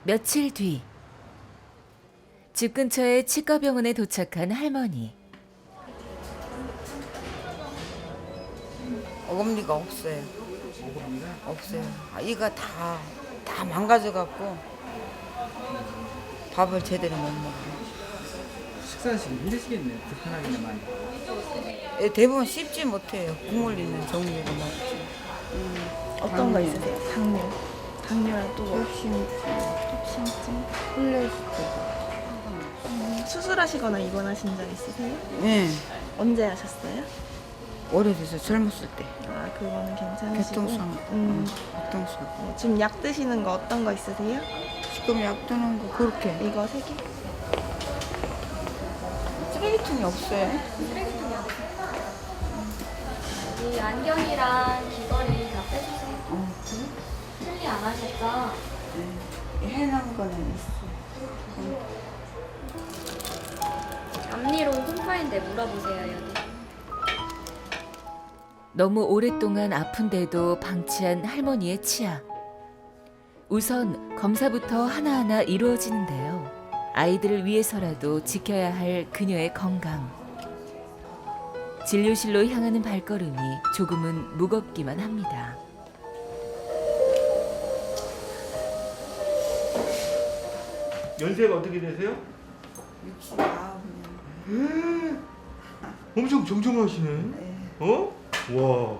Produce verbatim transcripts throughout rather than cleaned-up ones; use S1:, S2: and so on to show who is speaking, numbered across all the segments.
S1: 며칠 뒤 집 근처의 치과병원에 도착한 할머니.
S2: 어금니가 없어요. 없어요. 아, 이가 다, 다 망가져갖고 밥을 제대로 못 먹어요.
S3: 식사하시기 힘드시겠네요. 불편하겠네 많이.
S2: 예, 대부분 씹지 못해요. 국물 있는 종류로 먹지.
S4: 어떤 거
S2: 당뇨.
S4: 있으세요? 당뇨. 당뇨랑 또 뭐?
S2: 턱심증,
S4: 턱심증.
S2: 콜레스테롤.
S4: 음, 수술하시거나 입원하신 적 있으세요?
S2: 네,
S4: 언제 하셨어요?
S2: 오래돼서 젊었을 때.
S4: 아, 그거는 괜찮으시고.
S2: 교통상,
S4: 음,
S2: 교통상.
S4: 어, 지금 약 드시는 거 어떤 거 있으세요?
S2: 지금 약 드는 거 그렇게.
S4: 이거 세 개?
S2: 쓰레기통이 없어요.
S5: 이 안경이랑 귀걸이 다 빼주세요.
S2: 어,
S5: 틀리 안 하셨죠?
S2: 네. 해놓은 거는 있어.
S5: 앞니로 홈파인데 물어보세요, 여기.
S1: 너무 오랫동안 아픈데도 방치한 할머니의 치아. 우선 검사부터 하나하나 이루어지는데요. 아이들을 위해서라도 지켜야 할 그녀의 건강. 진료실로 향하는 발걸음이 조금은 무겁기만 합니다.
S6: 연세가 어떻게 되세요?
S2: 육십구 년.
S6: 엄청 정정하시네.
S2: 네.
S6: 어? 와.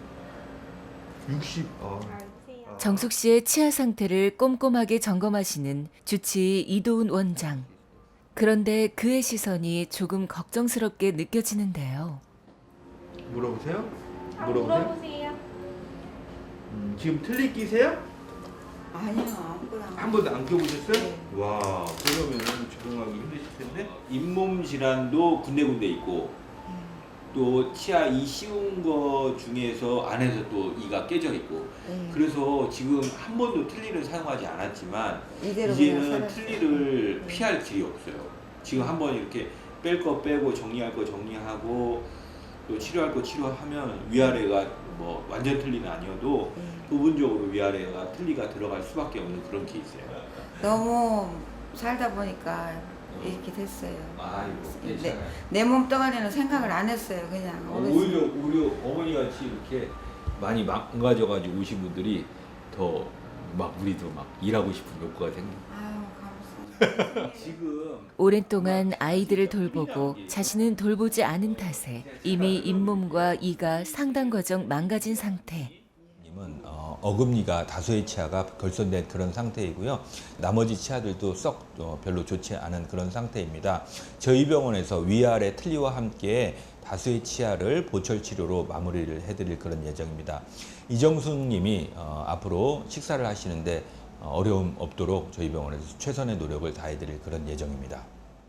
S6: 육십. 아.
S1: 정숙 씨의 치아 상태를 꼼꼼하게 점검하시는 주치의 이도훈 원장. 그런데 그의 시선이 조금 걱정스럽게 느껴지는데요.
S6: 물어보세요.
S5: 아,
S6: 물어보세요.
S5: 물어보세요.
S6: 음, 지금 틀니 끼세요?
S2: 아니요, 아무거나.
S6: 한 번도 안 껴보셨어요?
S2: 네.
S6: 와. 그러면 적응하기 힘드실 텐데.
S7: 잇몸 질환도 군데군데 있고 또 치아 이 씌운 거 중에서 안에서 또 이가 깨져 있고
S2: 네.
S7: 그래서 지금 한 번도 틀니를 사용하지 않았지만
S2: 이대로 그냥
S7: 이제는
S2: 살았어요.
S7: 틀니를
S2: 네.
S7: 피할 길이 없어요. 지금 한번 이렇게 뺄 거 빼고 정리할 거 정리하고 또 치료할 거 치료하면 위아래가 뭐 완전 틀니는 아니어도
S2: 네.
S7: 부분적으로 위아래가 틀니가 들어갈 수밖에 없는 그런 케이스예요.
S2: 너무 살다 보니까 이렇게 됐어요.
S7: 아이고
S2: 내, 내 몸뚱아리는 생각을 안 했어요. 그냥
S7: 어,
S2: 어렸을
S7: 오히려 오히려 어머니 같이 이렇게 많이 망가져가지고 오신 분들이 더 막 우리도 막 일하고 싶은 욕구가 생겨.
S2: 아유, 감사합니다.
S7: 지금
S1: 오랜 동안 아이들을 돌보고 자신은 돌보지 않은 탓에 이미 잇몸과 이가 상당 과정 망가진 상태.
S8: 님은 어, 어금니가 다소의 치아가 결손된 그런 상태이고요. 나머지 치아들도 썩 어, 별로 좋지 않은 그런 상태입니다. 저희 병원에서 위아래 틀니와 함께 다수의 치아를 보철 치료로 마무리를 해드릴 그런 예정입니다. 이정숙 님이 어, 앞으로 식사를 하시는데 어, 어려움 없도록 저희 병원에서 최선의 노력을 다해드릴 그런 예정입니다.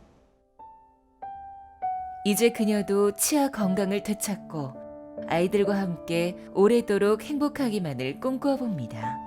S1: 이제 그녀도 치아 건강을 되찾고 아이들과 함께 오래도록 행복하기만을 꿈꿔봅니다.